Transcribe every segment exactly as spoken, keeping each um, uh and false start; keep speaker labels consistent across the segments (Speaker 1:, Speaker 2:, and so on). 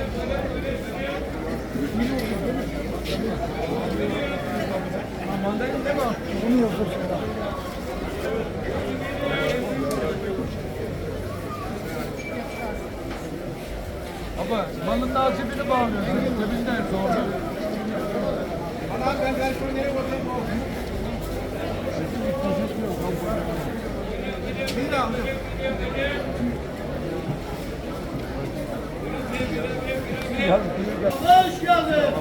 Speaker 1: Mandalina değil mi? Bunu yoksa sonra. Baba, malın daha cebini bağlıyorsun. Cebinden sonra. Ana ben ben şunu nereye koyayım? Bir daha mı? Hoş geldin.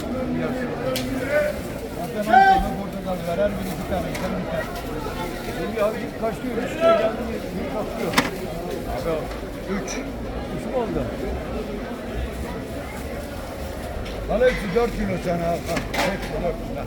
Speaker 1: Portakal verer bir iki tane, iki tane. Şimdi abi git kaç diyor? Üç liraya geldi mi? Bir kaçıyor. Abi üç. Üç mü oldu? Bana hepsi dört kilo sana al. Hepsi dört kilo.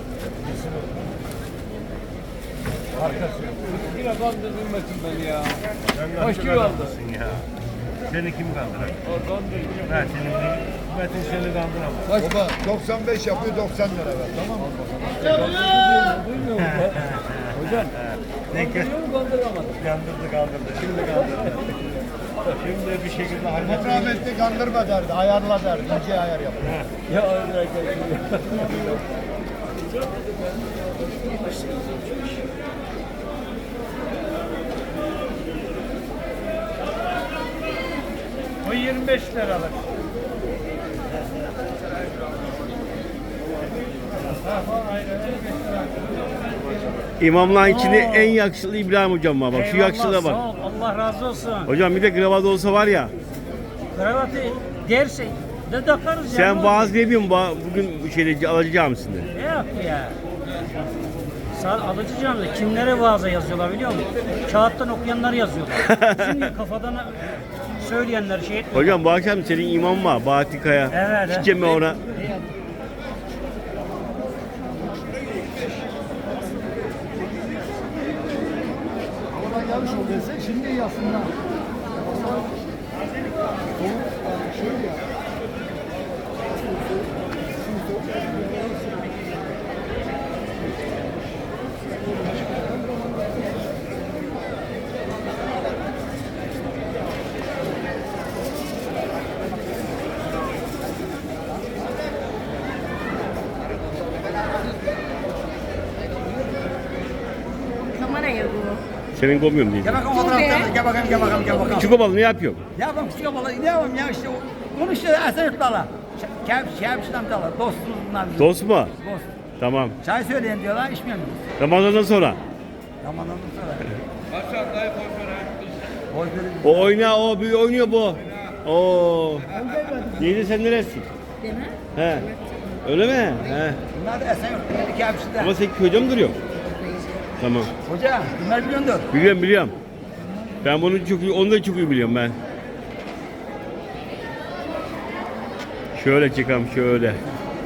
Speaker 1: Arkası. Yine kandırdın Metin beni ya. Kaç kilo aldın
Speaker 2: ya? Seni kim kandırır?
Speaker 1: O kandırdı.
Speaker 2: Ben senin Metin seni kandıramaz.
Speaker 3: Baba doksan beş yapıyor doksan lira ver tamam mı?
Speaker 1: Duymuyor mu? Hocam.
Speaker 2: Ne kez
Speaker 1: Kandıramadım.
Speaker 2: kandırdı kandırdı. Şimdi kandırdı. Şimdi bir şekilde hallettim.
Speaker 3: Rahmetli kandırma derdi, ayarla derdi, ince ayar yap.
Speaker 1: Ya öyle O yirmi beş liralık.
Speaker 4: İmamların içinde en yakışıklı İbrahim hocam var. Bak şu yakışıklığa bak.
Speaker 5: Sağ ol, Allah razı olsun.
Speaker 4: Hocam bir de kravat olsa var ya.
Speaker 5: Kravatı derse de takarız ya.
Speaker 4: Sen vaaz ne biliyorsun ba- bugün bu şeyde Alıcı Camisi'nde?
Speaker 5: Ne yap ya? Sağ alıcı camide kimlere vaaza yazıyorlar biliyor musun? Kağıttan okuyanlar yazıyorlar. Şimdi kafadan söyleyenler şey etmiyor.
Speaker 4: Hocam bu akşam senin imam var Bahattin Kaya.
Speaker 5: Evet, evet.
Speaker 4: Gideceğim ben ona.
Speaker 1: Oradan gelmiş ol dese şimdi iyi aslında. Şöyle ya.
Speaker 6: Kameraya bu.
Speaker 4: Senin koymuyorum diye.
Speaker 7: Gel bakalım fotoğraflarına, gel bakalım, gel bakalım, gel bakalım.
Speaker 4: Küçük obalı ne yapıyorsun?
Speaker 7: Ya bak küçük balık, ne yapalım ya işte konuşuyor Esen Yurtlar'la. Kevş, Kevş'in amcalar, dostumuz bunlar bizim.
Speaker 4: Dost mu?
Speaker 7: Dost.
Speaker 4: Tamam.
Speaker 7: Çay söyleyin diyorlar, içmiyor muyuz?
Speaker 4: Ramazan'dan sonra.
Speaker 7: Zamanından sonra. Boy verin.
Speaker 4: O oyna o bir oynuyor bu. Oo. Neydi sen neresin?
Speaker 6: Değil mi?
Speaker 4: He. Öyle mi? He.
Speaker 7: Bunlar da Esen Yurtlar'da, Kevş'te.
Speaker 4: Ama sen köyde mi duruyor? Tamam.
Speaker 7: Hoca, bunlar biliyordur.
Speaker 4: Biliyorum biliyorum. Ben bunu çok iyi, onu da çok iyi biliyorum ben. Şöyle çıkalım şöyle.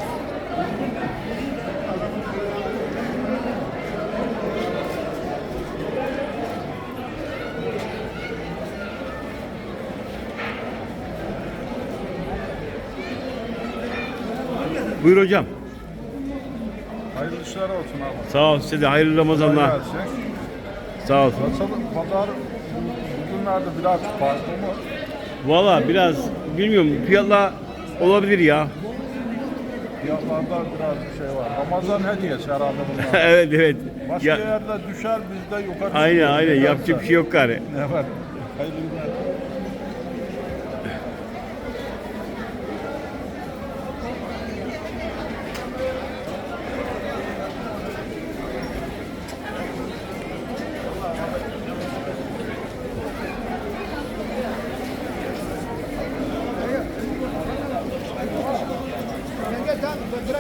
Speaker 4: Buyur hocam.
Speaker 8: Hayırlı işler olsun abi.
Speaker 4: Sağ ol size de hayırlı Ramazanlar.
Speaker 8: Kolay gelsin.
Speaker 4: Sağ ol.
Speaker 8: Nasıl pazar bugünlerde biraz farklı mı?
Speaker 4: Valla biraz bilmiyorum fiyatla olabilir ya.
Speaker 8: Fiyatlarda biraz bir şey var. Ramazan hediyesi herhalde bunlar.
Speaker 4: Evet evet.
Speaker 8: Başka
Speaker 4: Ya,
Speaker 8: yerde düşer bizde yukarı.
Speaker 4: aynen
Speaker 8: çıkıyor.
Speaker 4: aynen
Speaker 8: Nedense.
Speaker 4: yapacak bir şey yok gari.
Speaker 8: Evet. Hayırlı günler.
Speaker 3: Gel tamam bırak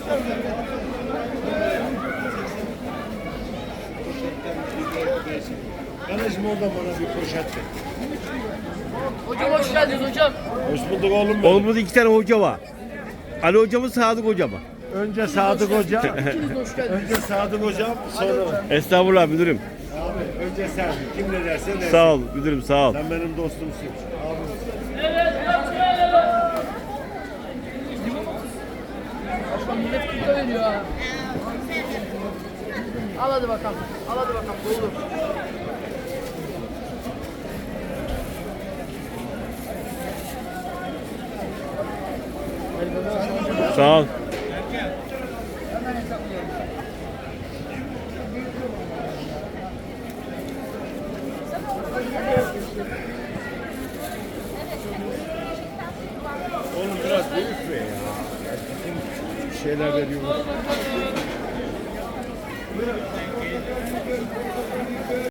Speaker 2: Kardeşim orada bana bir poşet ver.
Speaker 6: Hocam hoş geldiniz hocam.
Speaker 2: Hoş bulduk oğlum benim.
Speaker 4: Oğlum burada iki tane hoca var. Ali hocamız Sadık hocam.
Speaker 2: Önce Sadık Hoca.
Speaker 6: İkiniz de hoş geldiniz.
Speaker 2: Önce Sadık Hocam, sonra
Speaker 4: Estağfurullah müdürüm.
Speaker 2: abi önce sen. Kim ne derse dersin.
Speaker 4: Sağ ol müdürüm sağ ol.
Speaker 2: Sen benim dostumsun. Abi.
Speaker 6: Başkan millet kutu veriyor ha. Al hadi bakalım. Al hadi bakalım. Doldur.
Speaker 4: Sağ ol.
Speaker 1: Oğlum biraz büyük be ya. Bizim şeyler veriyoruz.